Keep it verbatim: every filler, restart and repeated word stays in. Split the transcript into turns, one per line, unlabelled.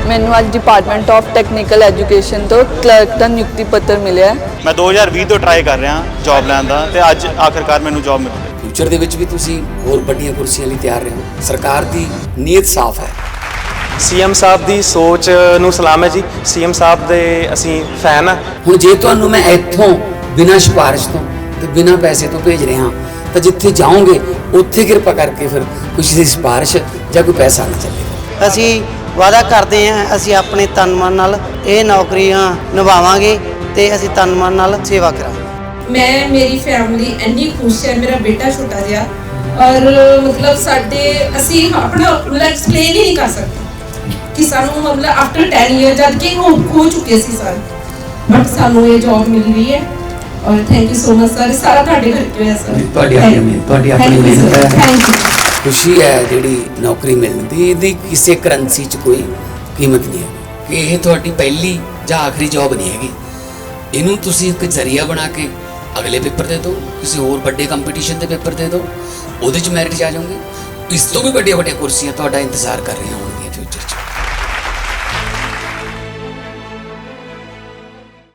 ਮੈਨੂੰ ਅੱਜ department of technical education ਤੋਂ ਕਲਰਕ ਦਾ ਨਿਯੁਕਤੀ ਪੱਤਰ ਮਿਲਿਆ।
ਮੈਂ ਦੋ ਹਜ਼ਾਰ ਵੀਹ ਤੋਂ ਟਰਾਈ ਕਰ ਰਿਹਾ ਜੌਬ ਲੈਣ ਦਾ ਤੇ ਅੱਜ ਆਖਰਕਾਰ ਮੈਨੂੰ ਜੌਬ ਮਿਲ ਗਈ।
ਫਿਊਚਰ ਦੇ ਵਿੱਚ ਵੀ ਤੁਸੀਂ ਹੋਰ ਵੱਡੀਆਂ ਕੁਰਸੀਆਂ ਲਈ ਤਿਆਰ ਰਹੋ। ਸਰਕਾਰ ਦੀ ਨੀਅਤ ਸਾਫ਼ ਹੈ।
ਸੀਐਮ ਸਾਹਿਬ ਦੀ ਸੋਚ ਨੂੰ ਸਲਾਮ ਹੈ ਜੀ। ਸੀਐਮ ਸਾਹਿਬ ਦੇ ਅਸੀਂ ਫੈਨ ਆ।
ਹੁਣ ਜੇ ਤੁਹਾਨੂੰ ਮੈਂ ਇੱਥੋਂ ਬਿਨਾਂ ਸਿਫਾਰਿਸ਼ ਤੋਂ ਤੇ ਬਿਨਾਂ ਪੈਸੇ ਤੋਂ ਭੇਜ ਰਿਹਾ ਤਾਂ ਜਿੱਥੇ ਜਾਓਗੇ ਉੱਥੇ ਕਿਰਪਾ ਕਰਕੇ ਫਿਰ ਕਿਸੇ ਦੀ ਸਿਫਾਰਿਸ਼ ਜਾਂ ਕੋਈ ਪੈਸਾ ਨਾ ਚੱਲੇ।
ਅਸੀਂ ਵਾਅਦਾ ਕਰਦੇ ਹਾਂ ਅਸੀਂ ਆਪਣੇ ਤਨ ਮਨ ਨਾਲ ਇਹ ਨੌਕਰੀਆਂ ਨਿਭਾਵਾਂਗੇ ਤੇ ਅਸੀਂ ਤਨ ਮਨ ਨਾਲ ਸੇਵਾ ਕਰਾਂਗੇ।
ਮੈਂ ਮੇਰੀ ਫੈਮਿਲੀ ਇੰਨੀ ਖੁਸ਼ ਹੈ। ਮੇਰਾ ਬੇਟਾ ਛੋਟਾ ਜਿਹਾ ਔਰ ਮਤਲਬ ਸਾਡੇ ਅਸੀਂ ਆਪਣਾ ਮਤਲਬ ਐਕਸਪਲੇਨ ਹੀ ਨਹੀਂ ਕਰ ਸਕਦੇ ਕਿ ਸਾਨੂੰ ਮਤਲਬ ਆਫਟਰ ਦਸ ਇਅਰ ਜਦ ਕਿ ਹੋ ਹੋ ਚੁੱਕੇ ਸੀ ਸਰ, ਬਟ ਸਾਨੂੰ ਇਹ ਜੌਬ ਮਿਲ ਰਹੀ ਹੈ ਔਰ thank you so much sir. ਸਾਰਾ ਤੁਹਾਡੇ ਕਰਕੇ ਹੋਇਆ ਸਰ।
ਤੁਹਾਡੀ ਆਪਣੀ ਮਿਹਨਤ ਤੁਹਾਡੀ ਆਪਣੀ ਮਿਹਨਤ ਹੈ।
Thank you.
ਖੁਸ਼ੀ ਹੈ ਜਿਹੜੀ ਨੌਕਰੀ ਮਿਲਣ ਦੀ, ਇਹਦੀ ਕਿਸੇ ਕਰੰਸੀ 'ਚ ਕੋਈ ਕੀਮਤ ਨਹੀਂ ਹੈ ਕਿ ਇਹ ਤੁਹਾਡੀ ਪਹਿਲੀ ਜਾਂ ਆਖਰੀ ਜੌਬ ਨਹੀਂ ਹੈਗੀ। ਇਹਨੂੰ ਤੁਸੀਂ ਇੱਕ ਜ਼ਰੀਆ ਬਣਾ ਕੇ ਅਗਲੇ ਪੇਪਰ ਦੇ ਦਿਓ, ਕਿਸੇ ਹੋਰ ਵੱਡੇ ਕੰਪੀਟੀਸ਼ਨ ਦੇ ਪੇਪਰ ਦੇ ਦਿਓ, ਉਹਦੇ 'ਚ ਮੈਰਿਟ 'ਚ ਆ ਜਾਓਗੇ। ਇਸ ਤੋਂ ਵੀ ਵੱਡੀਆਂ ਵੱਡੀਆਂ ਕੁਰਸੀਆਂ ਤੁਹਾਡਾ ਇੰਤਜ਼ਾਰ ਕਰ ਰਹੀਆਂ ਹੋਣ।